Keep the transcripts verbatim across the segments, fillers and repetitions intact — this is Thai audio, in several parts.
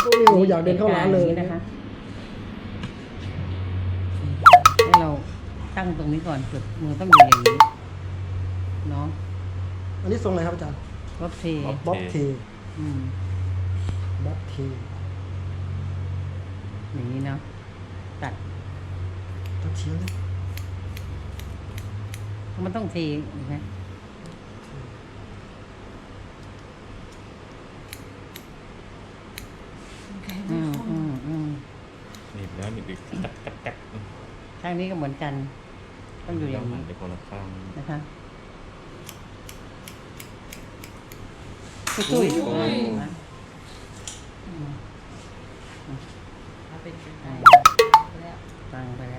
พวกนี้โอ้อยากเดินเข้าร้านเลยนะคะให้เราตั้งตรงนี้ก่อนจุดมือต้องอยู่อย่างนี้เนาะอันนี้ทรงอะไรครับอาจารย์บ๊อบเทบ๊อบเทอืมบ๊อบเทอย่างนี้เนาะตัดตัดเฉียงมันต้องเทเห็นไหมอืมอืมอืมหนีบแล้วหนีบอีกตักตักตักข้างนี้ก็เหมือนกัน ต้องอยู่อย่างนี้เดี๋ยวคนละข้างนะคะตุ้ยๆนะอืมเอาเป็นเป็นอ่าแล้วตั้งไปแล้ว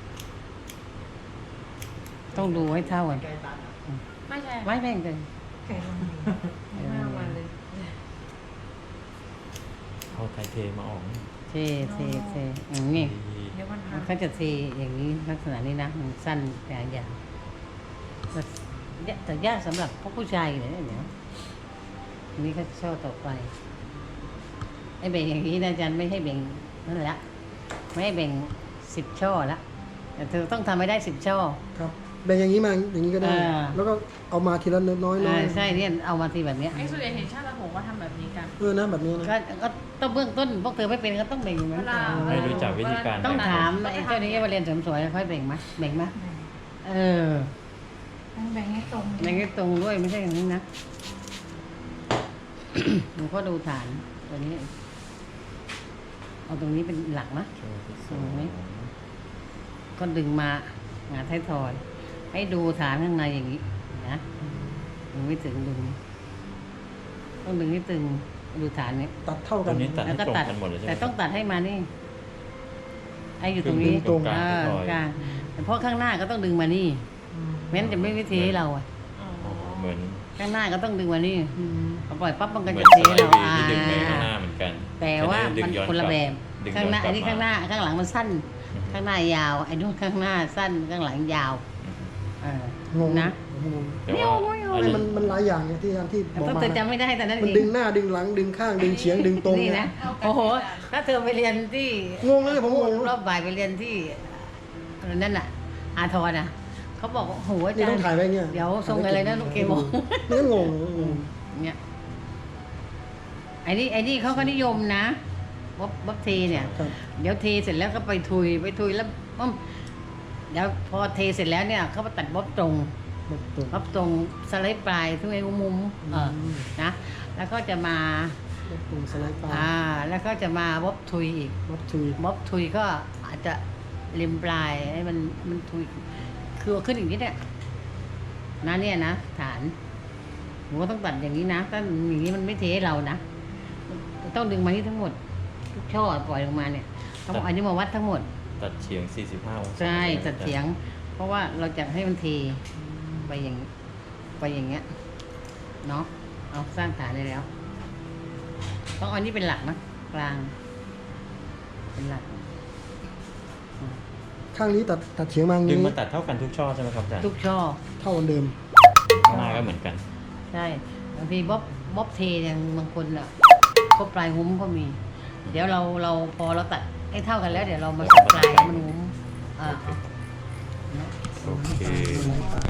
ต้องดูให้เท่ากันไม่ใช่ไม่แบ่งเลยไก่ลงไม่เอามาเลยเอาไทยเทมาออกเทเทเทอย่างนี้เดี๋ยวมันมัหันกเขาจะเทอย่างนี้ลักษณะนี้นะมันสั้นแต่ยาวแต่แต่ยากสำหรับพวกผู้ชายเลยนะเนี่ยอันนี้ก็ช่อต่อไปไอ้เบ่งอย่างนี้นะอาจารย์ไม่ให้เบ่งนั่นแหละไม่ให้เบ่งสิบช่อละแต่เธอต้องทำให้ได้สิบช่อครับแบ่งอย่างนี้มาอย่างนี้ก็ได้อ่าแล้วก็เอามาทีละน้อยน้อยอ่าใช่เนี่ยเอามาทีแบบเนี้ยไอ้ส่วนใหญ่เห็นชาติละหงก็ทำแบบนี้กันเออนะแบบนี้นะก็ก็ต้องเบื้องต้นพวกเธอไม่เป็นก็ต้องเบ่งเหมือนกันไม่รู้จักวิธีการต้องแบ่ถามไอ้เจ้านี้มาเรียนเสริมสวยค่อยเบ่งไหมเบ่งไหมเออต้องแบ่งให้ตรงแบ่งให้ตรงด้วยไม่ใช่อย่างนี้นะ หนูก็ดูฐานตัวนี้ เอาตรงนี้เป็นหลักนะช่วงที่สองก็ดึงมาหาท้ายทอย ให้ดูฐานข้างในอย่างนี้นะดึงไม่ถึงดึงต้องดึงให้ตึงดูฐานนี้ตัดเท่าตกัอน นนี้ตัดแล้วให้ก็ตรงตัดกันหมดเลยใช่ไหมแต่ต้องตัดให้มานี่ไอ้อยู่ตรงนี้ดึงตรงกลางเออท้ายทอยกลางแต่เพราะข้างหน้าก็ต้องดึงมานี่ไม่งั้นจะไม่วิธีให้เราอะอ๋ออ๋อเหมือนข้างหน้าก็ต้องดึงมานี่อืมพอปล่อยปั๊บมันก็เหมือจะนเทสไลเราด์วีอ่าที่ดึงไปข้างหน้าเหมือนกันแต่ว่าดึมันงย้อคนละแบบดึงข้างหน้าย้อันกลันี้บข้างหน้าข้างหลังมันสั้น ข้างหน้ายาวไอ้นู่นข้างหน้าสั้นข้างหลังยาวเอองงนะงงแต่ว่าไม่เอาอันไม่นี้มันมันหลายอย่างไงที่ที่แต่บอกต้องมาเธอจำไม่ได้แต่นั้นมันเองดึงหน้าดึงหลังดึงข้างดึงเฉียงดึงตรงนี่เนี่ยนะโอ้โหถ้าเธอไปเรียนที่งงเลยผมงงรอบบ่ายไปเรียนที่นั่นน่ะ อาทรน่ะเขาบอกว่าโอ้โหอานี่จารต้องย์ถ่ายไว้เนี่ยเดี๋ยวทรงอะไรนะลูกเกบอกนี่ก็งงงงเนี่ยไอ้นี่ไอ้นี่เขาก็นิยมนะบ๊อบบ๊อบเทเนี่ยครับเดี๋ยวเทเสร็จแล้วก็ไปทุยไปทุยแล้วปุ๊บเดี๋ยวพอเทเสร็จแล้วเนี่ยเขามาตัดบ๊อบตรงแบบตรงบ๊อบตรงสไลด์ปลายทุกไอ้มุมเอออืมนะแล้วก็จะมาแบบตรงสไลด์ปลาอ่าแล้วก็จะมาบ๊อบทุยอีกวัดทุยบ๊อบทุยก็อาจจะริมปลายให้มันมันทุยคือเอาขึ้นอย่างนี้เนี่ยนะเนี่ยนะฐานหนูก็ต้องตัดอย่างนี้นะถ้าอย่างนี้มันไม่เทให้เรานะต้องดึงมานี่ทั้งหมดทุกช่อปล่อยลงมาเนี่ยต้องเอาอันนี้มาวัดทั้งหมดตัดเฉียง สี่สิบห้า องศาใช่ไหมตัดเสียง เพราะว่าเราจะให้มันเทไปอย่างไปอย่างเงี้ยเนาะเอาสร้างฐานได้แล้ว ต้องเอาอันนี้เป็นหลักนะกลาง เป็นหลักข้างนี้ตัดตัดเฉียงมาอย่างดึงนี้มาตัดเท่ากันทุกช่อใช่ไหมครับอาจารย์ทุกช่อเท่ากันเดิมข้างหน้าก็เหมือนกันใช่บางทีบ๊อบบ๊อบเทอย่างบางคนอ่ะก็ปลายหุ้มก็มี เดี๋ยวเราเราพอเราตัดให้เท่ากันแล้ว เดี๋ยวเรามาสับปลายให้มันหุ้มอ่าโอเค